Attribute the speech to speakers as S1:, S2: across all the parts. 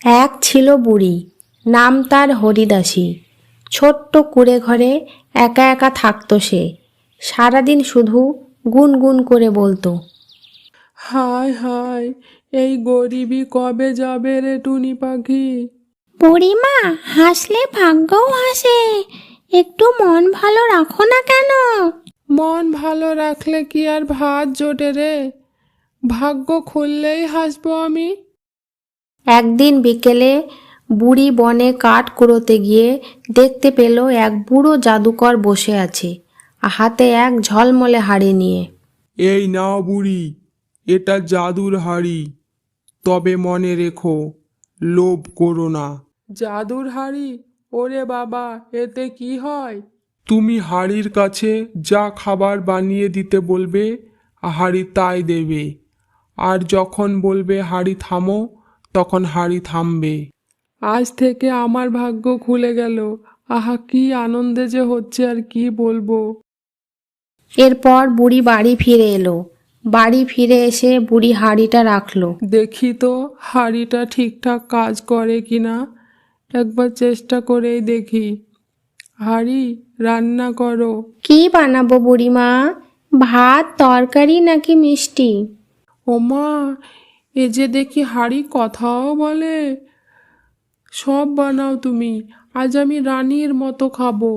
S1: এক ছিল বুড়ি, নাম তার হরিদাসী। ছোট্ট কুঁড়ে ঘরে একা একা থাকতো সে। সারাদিন শুধু গুনগুন করে বলতো,
S2: হায় হায়, এই গরিবি কবে যাবে রে টুনি পাখি?
S1: বুড়িমা, হাসলে ভাগ্যও হাসে, একটু মন ভালো রাখো না কেন?
S2: মন ভালো রাখলে কি আর ভাত জোটে রে? ভাগ্য খুললেই হাসবো আমি।
S1: একদিন বিকেলে বুড়ি বনে কাঠ কুড়োতে গিয়ে দেখতে পেল এক বুড়ো জাদুকর বসে আছে, হাতে এক ঝলমলে হাড়ি নিয়ে।
S3: এই নাও বুড়ি, এটা জাদুর হাড়ি। তবে মনে রেখো, লোভ করো না।
S2: জাদুর হাড়ি? ওরে বাবা, এতে কি হয়?
S3: তুমি হাড়ির কাছে যা খাবার বানিয়ে দিতে বলবে, হাড়ি তাই দেবে। আর যখন বলবে হাড়ি থামো, তখন হাড়ি থামবে।
S2: আজ থেকে আমার ভাগ্য খুলে গেল। আহা, কি আনন্দে যে হচ্ছে আর কি বলবো।
S1: এরপর বুড়ি বাড়ি ফিরে এলো। বাড়ি ফিরে এসে বুড়ি হাঁড়িটা রাখলো।
S2: দেখি তো হাঁড়িটা ঠিকঠাক কাজ করে কিনা, একবার চেষ্টা করেই দেখি। হাঁড়ি, রান্না করো।
S1: কি বানাবো বুড়িমা? ভাত, তরকারি নাকি মিষ্টি?
S2: ওমা, এ যে দেখি হাঁড়ি কথাও বলে। সব বানাও তুমি, আজ আমি রানীর মতো খাবো।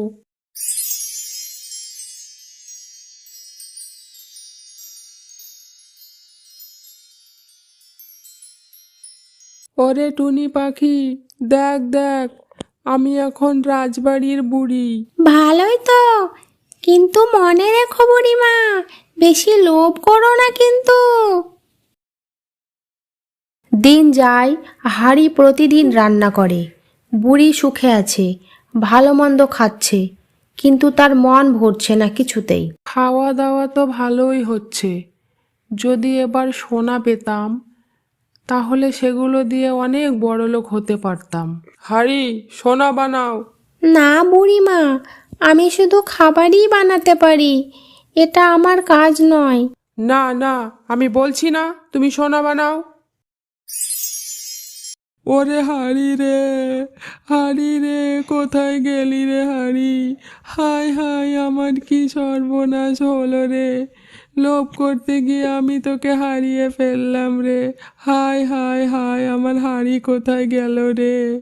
S2: ওরে টুনি পাখি, দেখ দেখ, আমি এখন রাজবাড়ির বুড়ি।
S1: ভালোই তো, কিন্তু মনে রেখো বুড়িমা, বেশি লোভ করো না কিন্তু। দিন যায়, হাঁড়ি প্রতিদিন রান্না করে। বুড়ি সুখে আছে, ভালো মন্দ খাচ্ছে, কিন্তু তার মন ভরছে না কিছুতেই।
S2: খাওয়া দাওয়া তো ভালোই হচ্ছে। যদি এবার সোনা পেতাম, তাহলে সেগুলো দিয়ে অনেক বড়লোক হতে পারতাম। হাঁড়ি, সোনা বানাও।
S1: না বুড়িমা, আমি শুধু খাবারই বানাতে পারি, এটা আমার কাজ নয়।
S2: না না, আমি বলছি না তুমি সোনা বানাও। ওরে হাঁড়ি রে, হাঁড়ি রে, কোথায় গেলি রে হাঁড়ি? হায় হায়, আমার কি সর্বনাশ হলো রে! লোভ করতে গিয়ে আমি তোকে হারিয়ে ফেললাম রে। হায় হায় হায়, আমার হাঁড়ি কোথায় গেল রে?